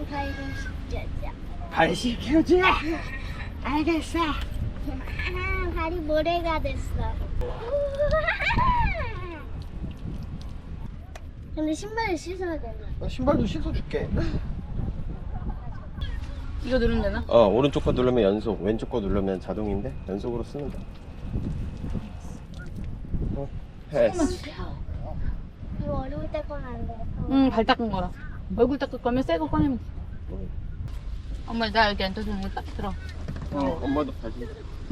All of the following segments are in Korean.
발 씻겨줘. 알겠어. 발이 모래가 됐어. 근데 신발을 씻어야 되나? 신발도 씻어줄게. 이거 누르면 되나? 오른쪽 거 누르면 연속, 왼쪽 거 누르면 자동인데 연속으로 쓰는 거야. 패스. 이거 어려울 때 건 안 돼. 응, 발 닦은 거라. 얼굴 닦을 거면 새 거 꺼내면 돼. 엄마, 나 여기 앉아주는 거 딱 들어. 엄마도 가지.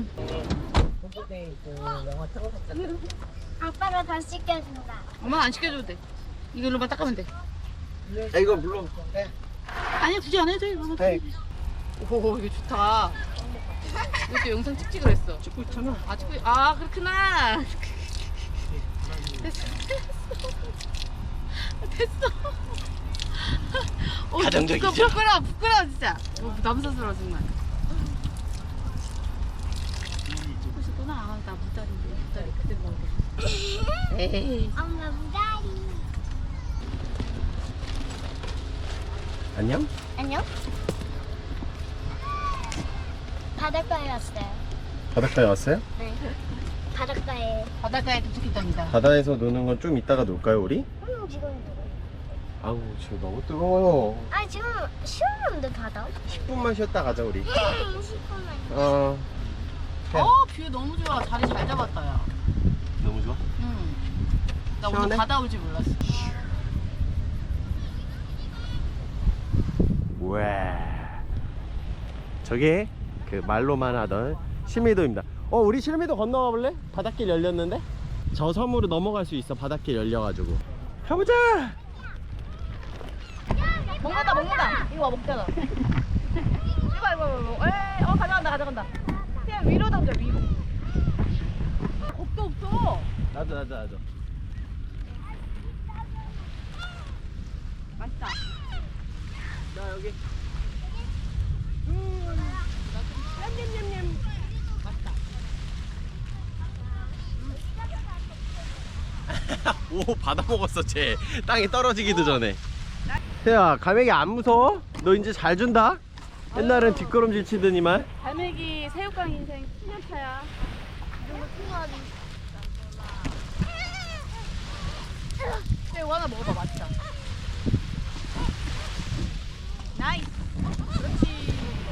아빠가 다 씻겨준다. 엄마 안 시켜줘도 돼. 이걸로만 닦으면 돼. 이거 물론. 아니야, 굳이 안 해도 돼. 이거. 네. 오, 이거 좋다. 이것도 영상 찍지 그랬어. 찍고 있잖아. 아, 그렇구나. 됐어. 됐어. 가정적이죠? 부끄러워, 진짜. 부담스러워, 정말. 찍고 싶구나. 나 무다리 그대로 먹어. 에이. 엄마 무다리. 안녕? 안녕? 바닷가에 왔어요. 바닷가에 왔어요? 네. 바닷가에 도착했답니다. 바다에서 노는 건 좀 이따가 놀까요, 우리? 지금 아우, 지금 너무 뜨거워요. 아 지금 시원한데 바다? 10분만 쉬었다 가자, 우리. 10분만. 뷰 너무 좋아. 자리 잘 잡았다, 야. 너무 좋아? 응. 나 시원해? 오늘 바다 올 줄 몰랐어. 와. 저게 그 말로만 하던 실미도입니다. 우리 실미도 건너가 볼래? 바닷길 열렸는데? 저 섬으로 넘어갈 수 있어. 바닷길 열려가지고. 가보자. 먹는다. 이거 와, 먹잖아. 이거. 에이, 가져간다. 그냥 위로 던져, 위로. 겁도 없어. 나도. 맛있다. 나 여기. 맛있다. 오, 받아 먹었어, 쟤. 땅에 떨어지기도 전에. 태야, 갈매기 안 무서워? 너 이제 잘 준다? 옛날엔 뒷걸음질 치더니만. 갈매기 새우깡 인생 10년차야. 이 정도 풍부하지. 새우 하나 먹어봐, 맛있다. 나이스. 그렇지.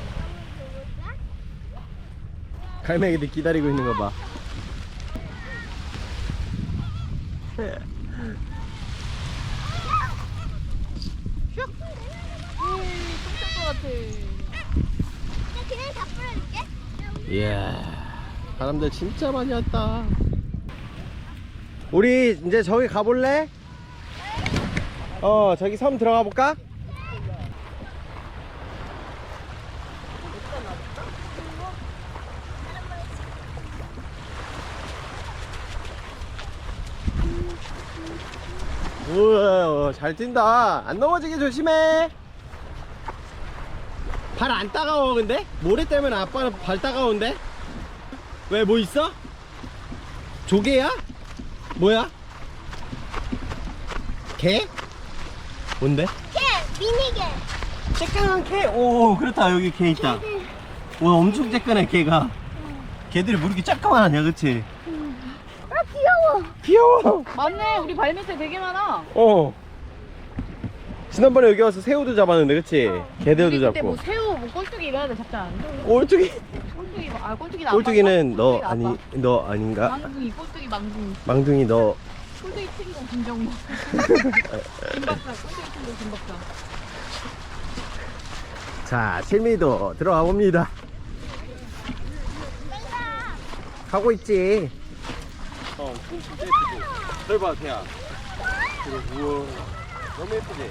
갈매기들 기다리고 있는 거 봐. 똥쌀 것 같아. 그냥 다 뿌려줄게. 이야, 사람들 진짜 많이 왔다. 우리 이제 저기 가볼래? 저기 섬 들어가 볼까? 우와, 잘 뛴다. 안 넘어지게 조심해. 발 안 따가워. 근데 모래 때문에 아빠는 발 따가운데? 왜, 뭐 있어? 조개야? 뭐야? 개? 뭔데? 미니게. 쬐끈한 개? 오, 그렇다. 여기 개 있다. 와, 엄청 쬐끈해 개가. 개들이 뭐 이렇게 쬐끄만하냐, 그치? 아 귀여워. 귀여워. 맞네, 우리 발밑에 되게 많아. 지난번에 여기 와서 새우도 잡았는데, 그치? 개들도 우리 그때 잡고. 뭐 새우, 뭐 꼴뚜기 이런 애들 잡지 않았어? 꼴뚜기? 꼴뚜기는 안 꼴뚜기는 너 꼴뚜기가 아니, 아빠. 너 아닌가? 망둥이, 꼴뚜기 망둥이. 망둥이 너. 꼴뚜기 튀기고 김정모. 김박사, 꼴뚜기 튀기고 김박사. 자, 실미도 들어가 봅니다. 가고 있지. 진짜 예쁘지? 널 봐, 태야. 우와, 너무 예쁘지?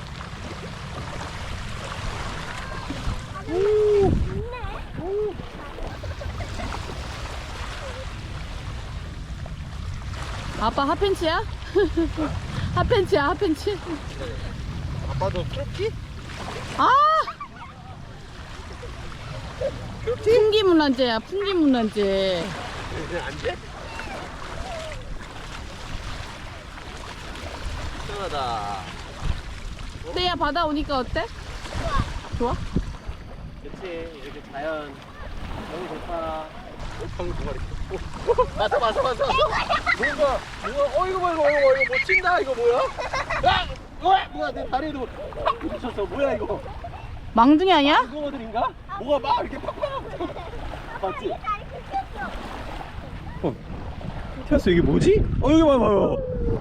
아빠 핫팬츠야? 핫팬츠야, 핫팬츠? 아빠도 크롭티? 아! 풍기문란제야, 풍기문란제. 안 돼? 시원하다. 때야 바다 오니까 어때? 좋아? 그치, 이렇게 자연 너무 좋다. 방금 두 마리. 맞아. 뭔가 이거 뭐 친다 이거 뭐야? 뭐야 내 다리에도 팍 부딪혔어. 뭐야 이거? 망둥이 아니야? 이거들인가? 뭐가 막 이렇게 팍팍 맞지? 튀었어. 이게 뭐지? 여기 봐봐요.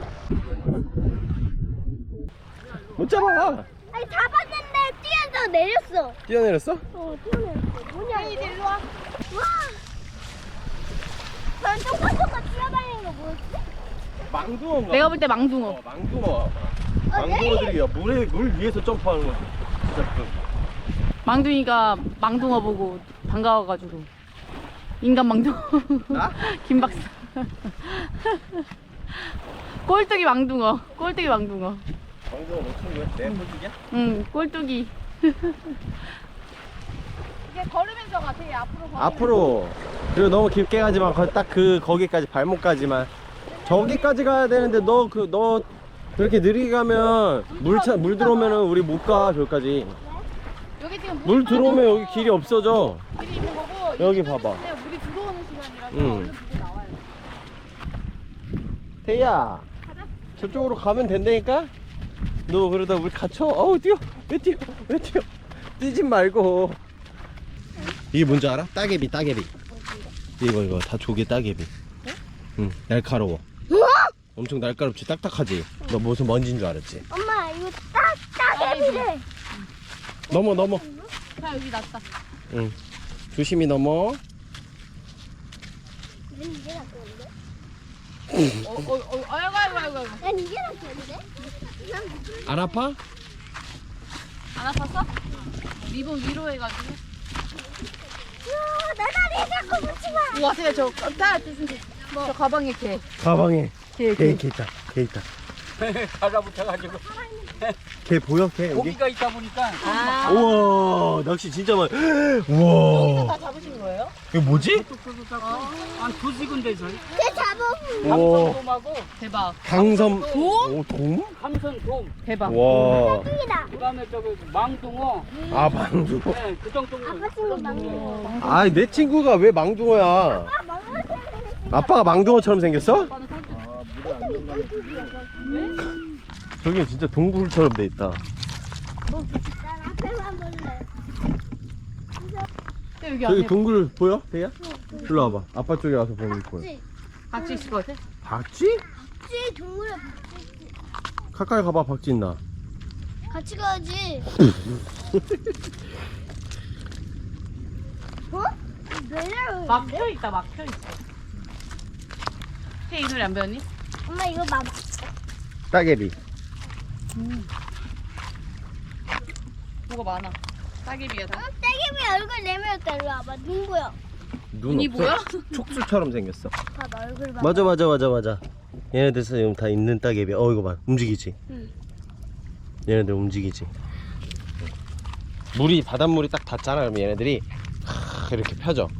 못 잡아. 아니 잡았는데 뛰어서 내렸어. 뛰어내렸어? 뛰어내렸어. 뭐냐 이거? 일로 와. 와. 난 똑같이 뛰어다니는 거 뭐였지? 망둥어. 내가 볼 때 망둥어. 망둥어. 망둥어들이 물 위에서 점프하는 거지. 진짜 망둥이가 망둥어 보고 반가워가지고 인간 망둥어. 나? 김 박사. 꼴뚜기 망둥어. 망둥어 놓친 거야? 내 꼴뚜기야? 응, 꼴뚜기. 이게 걸으면서 가. 되게 앞으로. 그리고 너무 깊게 가지 마. 딱 거기까지 발목까지만. 저기까지 가야 되는데 너 그렇게 느리게 가면 물 들어오면은 우리 못 가. 저기까지. 여기 지금 물 들어오면 여기 길이 없어져. 길이 있는 거고 여기 이제 봐봐. 물이 들어오는 시간이라서 응. 얼른 물이 나와요. 태희야, 저쪽으로 가면 된다니까? 너 그러다 우리 갇혀. 뛰어. 왜 뛰어? 뛰지 말고. 이게 뭔지 알아? 따개비. 이거 다 조개 따개비. 응, 날카로워. 엄청 날카롭지? 딱딱하지? 너 무슨 먼지인 줄 알았지? 엄마 이거 따개비래. 넘어. 자, 여기 났다. 응. 조심히 넘어. 난 이게 낫겠는데? 아이고. 난 이게 낫겠는데? 안 아파? 안 아팠어? 리본 위로 해가지고. 내 다리에 자꾸 붙지 마. 우와, 세야 저 가방에 개. 가방에 개. 개 있다. 달라붙어가지고 개 보여? 개 여기? 고기가 있다 보니까 아. 우와, 낚시 진짜 많아. 우와. 다 잡으신 거예요? 이거 뭐지? 한 2시간 돼서 내 잡아. 우와. 감선돔하고 대박. 강섬. 돔? 오, 돔? 감선돔 대박. 와. 땡이다. 그다음에 저기 망둥어 아, 망둥어. 네, 그 정도 아빠 친구 망고. 아, 내 친구가 왜 망둥어야? 아빠가 망둥어처럼 생겼어? 저기 진짜 동굴처럼 돼 있다. 난 앞에만 볼래. 여기 저기 안에 동굴 보여? 대야? 일로 와봐. 아빠 쪽에 와서 보면 보여. 같이 있을 것 같아? 박쥐? 박쥐 동물에 가까이 가봐. 박쥐 있나? 같이 가야지. 어? 내려. 막혀있다. 이 노래 안 배웠니? 엄마 이거 봐봐. 따개비. 뭐가 많아. 따개비야 다. 떼개비 얼굴 내밀었다. 일로 와봐. 눈 보여. 없어? 눈이 보여? 촉수처럼 생겼어. 봐봐 얼굴 봐. 맞아. 얘네들 지금 다 있는 따개비. 이거 봐. 움직이지? 응. 얘네들 움직이지? 바닷물이 딱 닿잖아. 그러면 얘네들이 이렇게 펴져.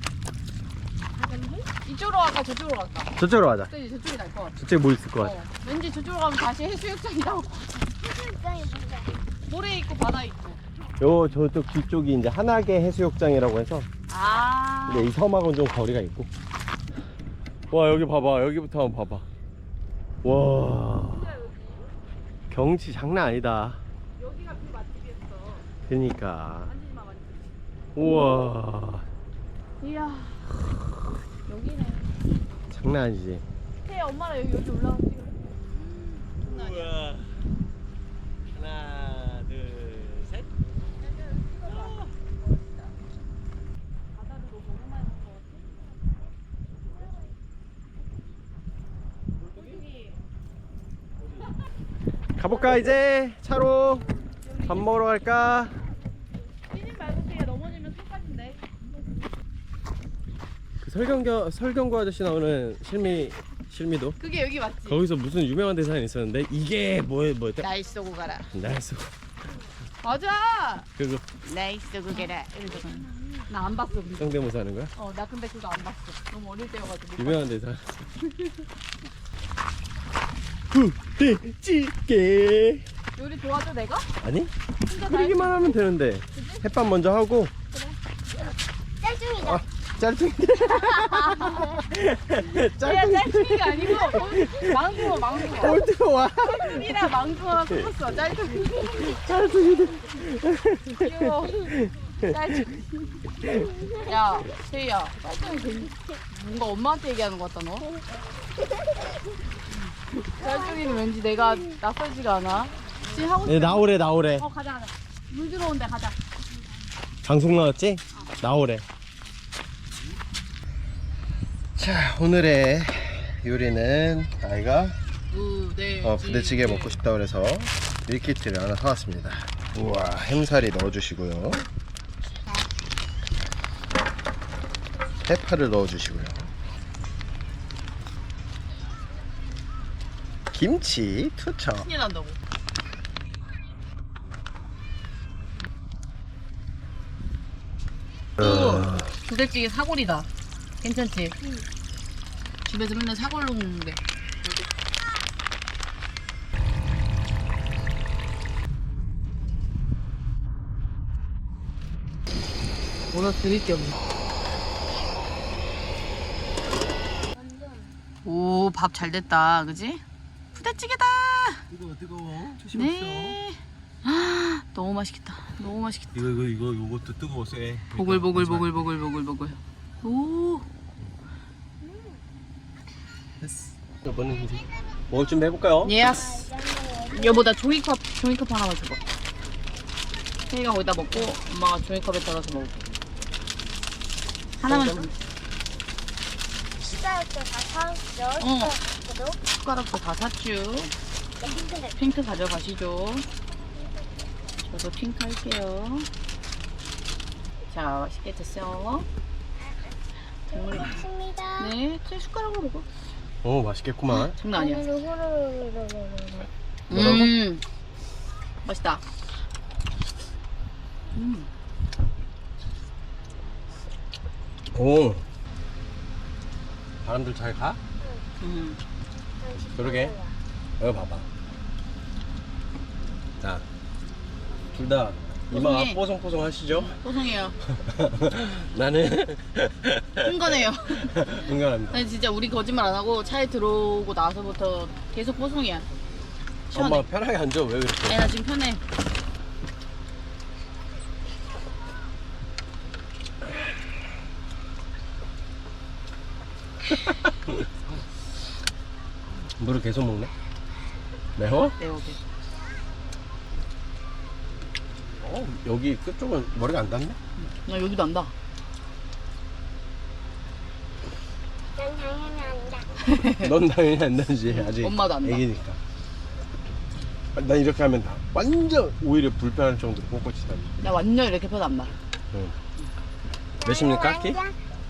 이쪽으로 갈까 저쪽으로 갈까? 저쪽으로 가자. 그치, 저쪽이 날 것 같아. 저쪽에 뭐 있을 것 같아? 왠지 저쪽으로 가면 다시 해수욕장이 나올 것 같아. 해수욕장이 뭔데? 모래 있고 바다 있고. 저쪽 뒤쪽이 이제 한하계 해수욕장이라고 해서. 아. 근데 이 섬하고는 좀 거리가 있고. 와, 여기 봐봐. 여기부터 한번 봐봐. 와, 경치 장난 아니다. 여기가 그 맛집이었어. 그러니까. 만지지 마. 우와, 이야. 여기네. 장난 아니지. 태 엄마랑 여기 올라가서 찍어. 우와. 하나, 둘, 셋. 바다를 너무 많이 먹어. 가볼까 이제 차로 밥 먹으러 갈까? 뛰지 말고 그냥 넘어지면 손까지인데. 그 설경구 아저씨 나오는 실미도 그게 여기 맞지? 거기서 무슨 유명한 대사가 있었는데 이게 뭐였대? 날 쏘고 가라. 나이스. 맞아. 그거 날 쏘고 가라. 이러잖아. 나 안 봤어 근데. 성대모사 하는 거야? 나 근데 그거 안 봤어. 너무 어릴 때여가지고. 유명한 대사. 부대찌개 요리 도와줘 내가? 아니? 끓이기만 하면 되는데. 햇밥 먼저 하고. 짤중이다. 짤퉁이. 야 짤퉁이가 아니고 망둥어 꼴등 와. 짤퉁이랑 망둥어가 섞었어. 짤퉁이 짤퉁이들. 귀여워. 짤퉁이. 야 세희야 짤퉁이 뭔가 엄마한테 얘기하는 것 같다 너. 짤퉁이는 왠지 내가 낯설지가 않아. 지금 하고 네, 싶어. 나오래. 가자. 물 들어온대 가자. 방송 나왔지? 나오래. 자, 오늘의 요리는 아이가 부대찌개 먹고 싶다 그래서 밀키트를 하나 사왔습니다. 우와, 햄살이 넣어주시고요. 해파를 넣어주시고요. 김치 투척. 신이 난다고. 부대찌개 사골이다. 괜찮지? 집에서 맨날 사골 먹는데. 뭐라 드릴 게 없네. 오, 밥 잘 됐다. 그지? 부대찌개다. 뜨거워. 네. 아, 너무 맛있겠다. 너무 맛있겠다. 이것도 뜨거워 쎄. 보글보글. 오. 됐어. 이거는 이제 먹을 준비 해볼까요? 예스. 여보 나 종이컵 하나만 줘봐. 세이가 거기다 먹고 엄마가 종이컵에 따라서 먹을게. 하나만 줘. 숟가락도 다 사왔죠. 어. 숟가락도. 숟가락도 다 샀쥬. 핑크색. 핑크 가져가시죠. 저도 핑크 할게요. 자 맛있게 드세요. 고맙습니다. 네, 제 숟가락으로 먹어. 오, 맛있겠구만. 장난 아니야. 뭐라고? 맛있다. 오, 바람들 잘 가? 그러게. 여기 봐봐. 자, 둘 다 이마가 뽀송해. 뽀송뽀송 하시죠? 뽀송해요. 나는 흥건해요. 응원합니다. 아니 진짜 우리 거짓말 안 하고 차에 들어오고 나서부터 계속 뽀송이야. 시원해. 엄마 편하게 앉아. 왜 그렇게? 아니 나 지금 편해. 물을 계속 먹네? 매워? 네 오케이. 여기 끝쪽은 머리가 안 닿네? 나 여기도 안다. 난 당연히 안다. 넌 당연히 안 닿지. 아직 엄마도 안 닿아. 애기니까. 난 이렇게 하면 다 완전 오히려 불편할 정도로 꼿꼿이 닿네. 나 완전 이렇게 펴도 안 나. 응. 몇십니까 키?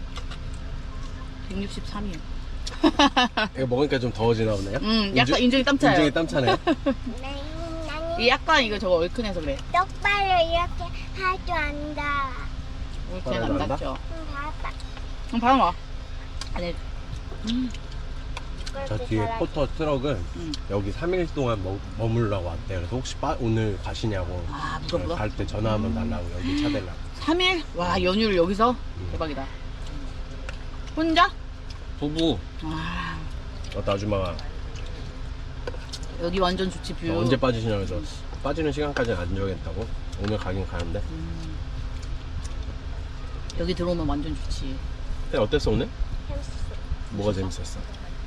163이요. 이거 먹으니까 좀 더워지나 보네요? 약간 인중이 땀 차요. 인중이 땀 차네. 이 약간 이거 저거 얼큰해서 그래. 똑바로 이렇게 할 줄 안다. 얼큰해서 안 바로 난다? 닿죠. 봐봐. 그럼 바로 와. 아니. 저 뒤에 포터 트럭은 여기 3일 동안 머물라고 왔대. 그래서 혹시 오늘 가시냐고. 아 무섭다. 갈 때 전화 한번 달라고 여기 차 대려고. 3일? 와 연휴를 여기서? 대박이다. 혼자? 부부. 아 어떤 아줌마가 여기 완전 좋지 뷰. 언제 빠지시냐고 해서 빠지는 시간까지는 안 정했다고. 오늘 가긴 가는데. 여기 들어오면 완전 좋지. 근데 어땠어 오늘? 뭐가 재밌었어?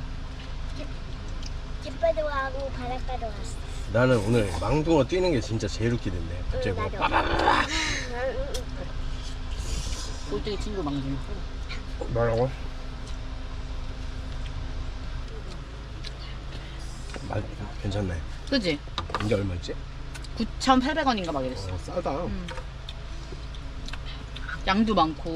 집에도 가고 바닷가도 왔어. 나는 오늘 망둥어 뛰는 게 진짜 제일 웃기던데. 갑자기 뭐 나도. 빠바바바. 꼴뚜기 친구 망중. 뭐라고? 괜찮네. 그지? 이게 얼마였지? 9,800원인가 막 이랬어. 싸다. 양도 많고.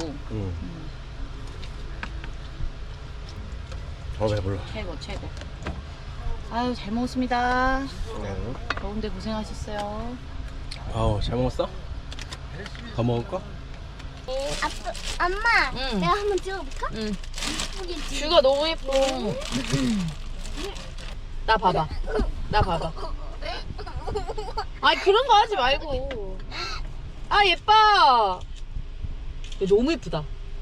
배불러. 최고. 아유 잘 먹었습니다. 네. 더운데 고생하셨어요. 아우 잘 먹었어? 더 먹을 거? 엄마, 응. 내가 한번 찍어볼까? 응. 예쁘겠지? 뷰가 너무 예뻐. 나 봐봐. 아니 그런 거 하지 말고. 아 예뻐. 너무 예쁘다.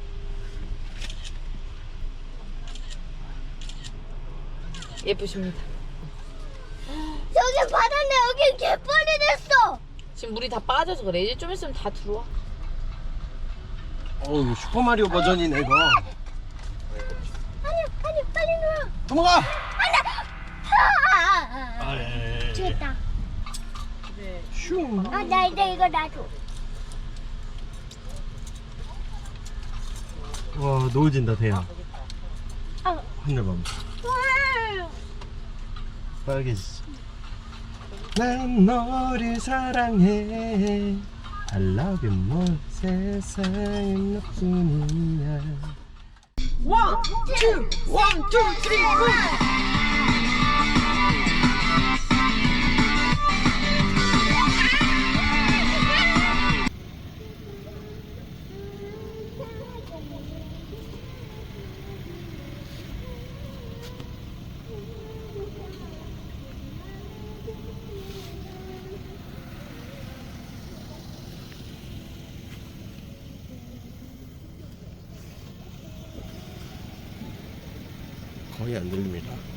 예쁘십니다. 여기 바다인데 여기 개뻘이 됐어. 지금 물이 다 빠져서 그래. 이제 좀 있으면 다 들어와. 어우 슈퍼마리오 버전이네 이거. 아니 빨리 놀아. 넘어가. 됐다. 슝. 나 이제 이거 놔줘. 와 노을진다 대야. 어. 하늘 봐. 빨개지지. 난 너를 사랑해. I love you more. 세상에 너뿐이야. 원, 투, 쓰리, 고! 거의 안 들립니다.